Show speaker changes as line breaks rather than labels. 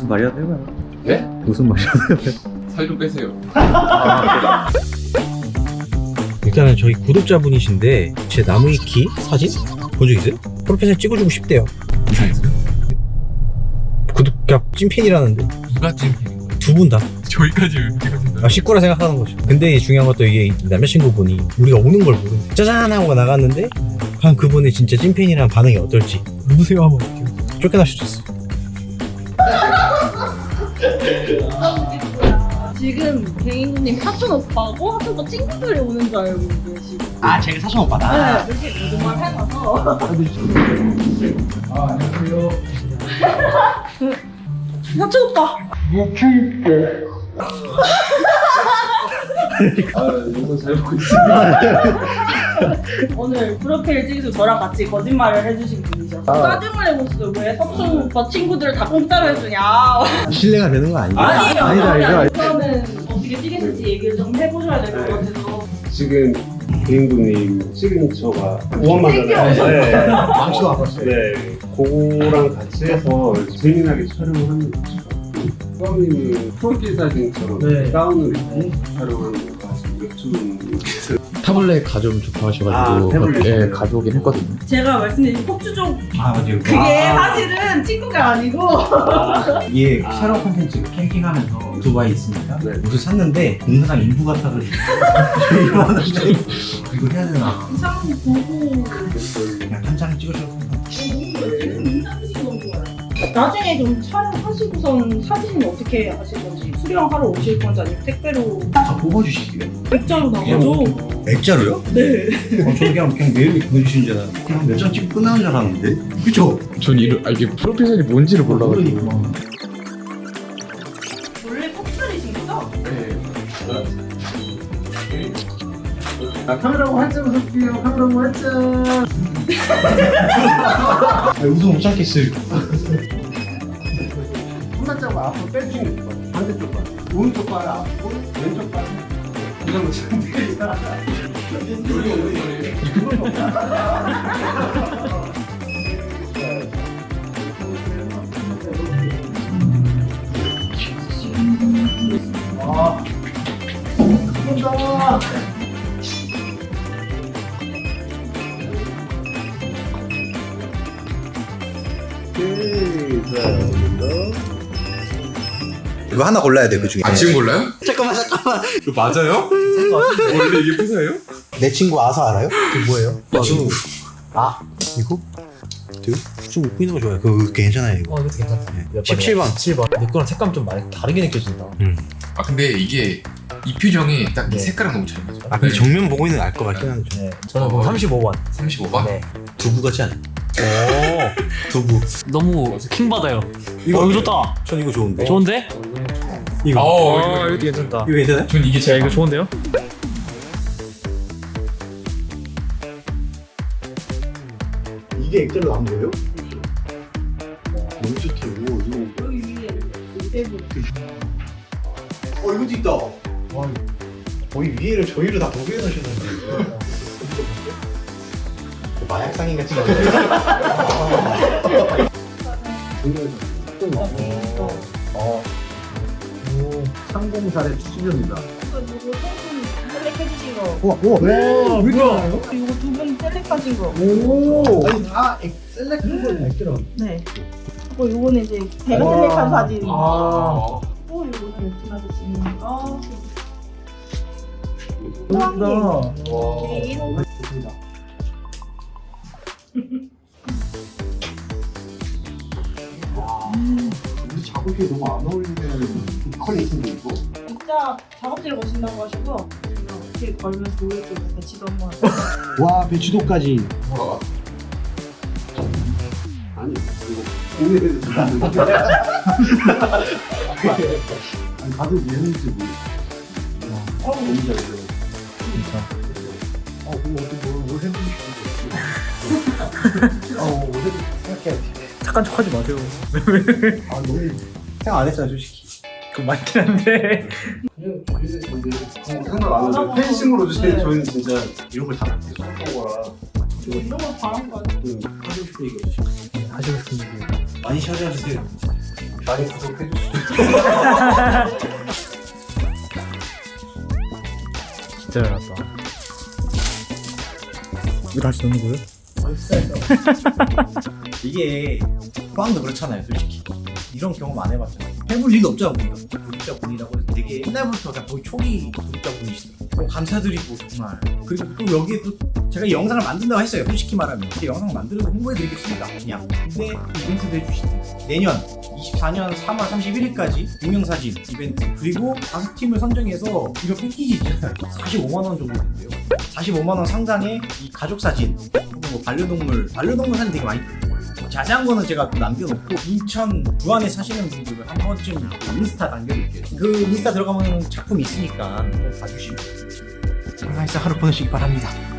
무슨 말이라도 해봐요.
네?
무슨 말이라도 해봐요.
살 좀 빼세요.
일단은 저희 구독자분이신데 제 나무위키 사진 본 적 있어요? 프로필에 찍어주고 싶대요.
이상했어요?
구독자 찐팬이라는데
누가 찐팬인 거예요?
두 분 다.
저희까지 왜 찍어준다?
식구라 생각하는 거죠. 근데 중요한 것도 이게 남자친구분이 우리가 오는 걸 모르는 짜잔 하고 나갔는데 과연 그분의 진짜 찐팬이라는 반응이 어떨지. 누구세요? 하면 어떡해요? 쫓겨나셨어.
지금 개인님 사촌 오빠고 사촌 오빠 친구들이 오는 줄 알고 계시고.
아 제가 사촌 오빠다?
네, 이렇게 모두만 해놔서.
안녕하세요.
사촌 오빠.
영상 잘 보고 있습니다.
오늘 프로필 찍으시고 저랑 같이 거짓말을 해주신 분이죠. 짜증을 내고 있어요. 왜 사촌 오빠 친구들을 다 공짜로 해주냐.
신뢰가 되는 거 아니에요?
아니에요.
아니다.
우선은 어떻게 찍으실지 얘기를 좀 해보셔야 될 것 같아서.
지금 개인분님 시그니처가 5원만잖아요. 네.
망치도 안 봤어요.
네. 그거랑 같이 해서 재미나게 촬영을 하는 거죠. 수아님은 프로필 사진처럼
네.
다운을 입고 촬영하는 거 아시고 맥주는
타블렛 가져오면 좋다 하셔가지고
태블릿.
예, 가져오긴 했거든요.
제가 말씀드린 폭주족
아 맞아요.
그게 사실은 친구가 아니고
이게 촬영 콘텐츠 캠핑하면서 두바이 있으니까
네.
옷을 샀는데 공사장 인부 같아가지고 이거 하나 이거 해야 되나
이상한 거 보고
그냥 한 장을 찍으셔도
나중에 좀 촬영하시고선 사진은 어떻게 하실 건지 수령하러 오실 건지 아니면 택배로
다 뽑아주실게요.
액자로 나가죠?
액자로요?
네.
저는 그냥 매일 보여주시는 줄 알았는데 그냥 몇 장 찍고 끝나는 줄 알았는데 그쵸?
전 이게 프로필 사진이 뭔지를 몰라가지고.
원래 커플이신 거죠?
카메라고 한장 웃을게요. 카메라고 한장.
웃음 못 참겠어요.
한번 짜고 앞으로 빼주시면 될 것 같아요. 반대쪽 발. 오른쪽 발 앞으로 왼쪽 발. 이런 거 상태에서.
이거 하나 골라야 돼 그 중에.
아 지금 몰라요?
잠깐만.
이거 맞아요? 원래 이게 프사예요?
내 친구 아사 알아요? 그 뭐예요? 내 친구. 아 이거? 되게 좀 웃고 있는 거 좋아요. 그거 괜찮아요 이거.
이것도 괜찮다. 몇
17번.
7번. 내 거랑 색감 좀 많이 다르게 느껴진다.
아 근데 이게 이 표정이 딱 이
네.
색깔랑 너무 잘 맞아.
아 근데 정면 보고 있는 거 알 것 같긴 한데.
네. 저는 그럼 35번.
35번?
네.
두부 같지 않아?
오.
두부.
너무 킹 받아요.
이거
좋다.
전 이거 좋은데.
좋은데?
이거.
이것도 괜찮다.
이거 괜찮아요?
전 이게 제일
이거 좋은데요?
이게 액자로 나온 거예요? 너무 좋다 이거.
여기 위에 세부
이것도 있다. 와, 거의 위에를 저희를 다 도배해 놓으셨는데. 마약상인 같지 않아요?
상공사례 추천입니다.
이거 소금 셀렉해주신 거
우와, 왜 이렇게 많아요?
이거 두 분 셀렉하신 거
오, 아니 다 셀렉한 걸 액자로.
네. 그리고 요거는 이제 제가 셀렉한 사진
아.
또 요거는 웹툰 아저씨니까 개인
우리 작업이 너무 안 어울리는 퀄리티인데 이거.
진짜 작업실에 오신다고 하시고 어떻게 걸면 좋을지 배치도 한번
와, 배추도까지.
뭐야?
아니 이거 국내에서 들어가는데. 아니 가도 얘는지 모르겠어. 너무 잘 돼. 뭐 어떻게 뭘 해주고 뭘 해주고 생각해야 돼.
착한 척하지 마세요.
아, 너무 생각 안 했어요, 솔직히.
그거 맞긴 한데.
그냥 생각 안 하죠. 펜싱으로 주세요.
네.
저희는 진짜
이런 걸 다
한 거라.
이런 걸 바란 거
하고 싶은 얘기 없으시고.
하시고 싶은 얘기.
많이 찾아주세요.
많이 구독해주시죠.
진짜 잘 났다. 이거 다시 넣는 거예요?
이게 빵도 그렇잖아요, 솔직히. 이런 경험 안 해봤잖아요. 해볼 일도 없잖아, 우리가. 구독자분이라고 해서 되게 옛날부터 그냥 거의 초기 구독자분이시더라고요. 감사드리고 정말. 그리고 또 여기에 또 제가 이 영상을 만든다고 했어요, 솔직히 말하면. 근데 영상 만들고 홍보해드리겠습니다, 그냥. 근데 이벤트도 해주시대. 내년 24년 3월 31일까지 유명사진 이벤트, 그리고 5팀을 선정해서 이런 패키지 있잖아요. 45만원 정도 된대요. 45만원 상당의 이 가족사진, 혹은 뭐 반려동물 사진 되게 많이 있거든요. 자세한 거는 제가 또 남겨놓고 인천 부안에 사시는 분들은 한 번쯤 인스타 남겨둘게요. 그 인스타 들어가면 작품이 있으니까 한번 봐주시면. 건강해서 하루 보내시기 바랍니다.